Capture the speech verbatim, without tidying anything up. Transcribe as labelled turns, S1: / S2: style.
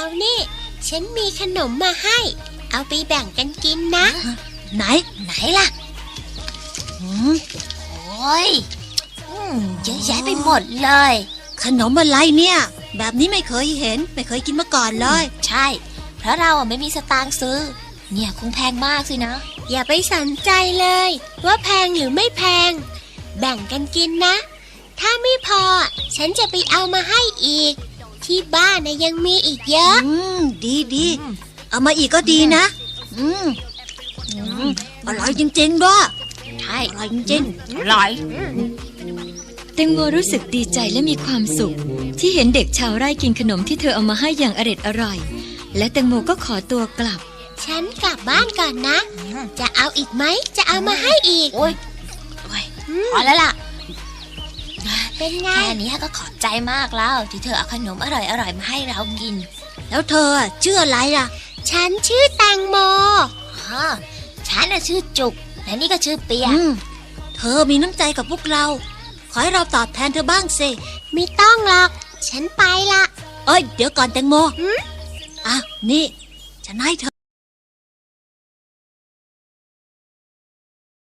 S1: นี่ฉันมีขนมมาให้เอาไปแบ่งกันกินนะ
S2: ไหน
S3: ไหนล่ะ
S2: อืม
S3: โอ้ยเยอะแยะไปหมดเลย
S2: ขนมอะไรเนี่ยแบบนี้ไม่เคยเห็นไม่เคยกินมาก่อนเลย
S3: ใช่เพราะเราไม่มีสตางค์ซื้อเนี่ยคงแพงมากสินะ
S1: อย่าไปสนใจเลยว่าแพงหรือไม่แพงแบ่งกันกินนะถ้าไม่พอฉันจะไปเอามาให้อีกที่บ้านนะยังมีอีกเยอะ
S2: อืมดีดีเอามาอีกก็ดีนะอืมอร่อยจริงๆด้วย
S3: ใช่
S2: อร่อยจริง
S3: ๆอร่อย
S4: แตงโมรู้สึกดีใจและมีความสุขที่เห็นเด็กชาวไร่กินขนมที่เธอเอามาให้อย่างอร็ดอร่อยและแตงโมก็ขอตัวกลับ
S1: ฉันกลับบ้านก่อนนะจะเอาอีกไหมจะเอามาให้อีก
S3: โอ้ยพอแล้วล่ะ
S1: เป็นไง
S3: แค่นี้ก็ขอบใจมากแล้วที่เธอเอาขนมอร่อยๆมาให้เรากิน
S2: แล้วเธอชื่ออะไรล่ะ
S1: ฉันชื่อแตงโม
S3: อ๋อฉันน่ะชื่อจุกและนี่ก็ชื่อเปีย
S2: เธอมีน้ำใจกับพวกเราขอให้เราตอบแทนเธอบ้างสิ
S1: ไม่ต้องหรอกฉันไปละ
S2: เอ้ยเดี๋ยวก่อนแตงโมอ่ะนี่ฉันให้เธอ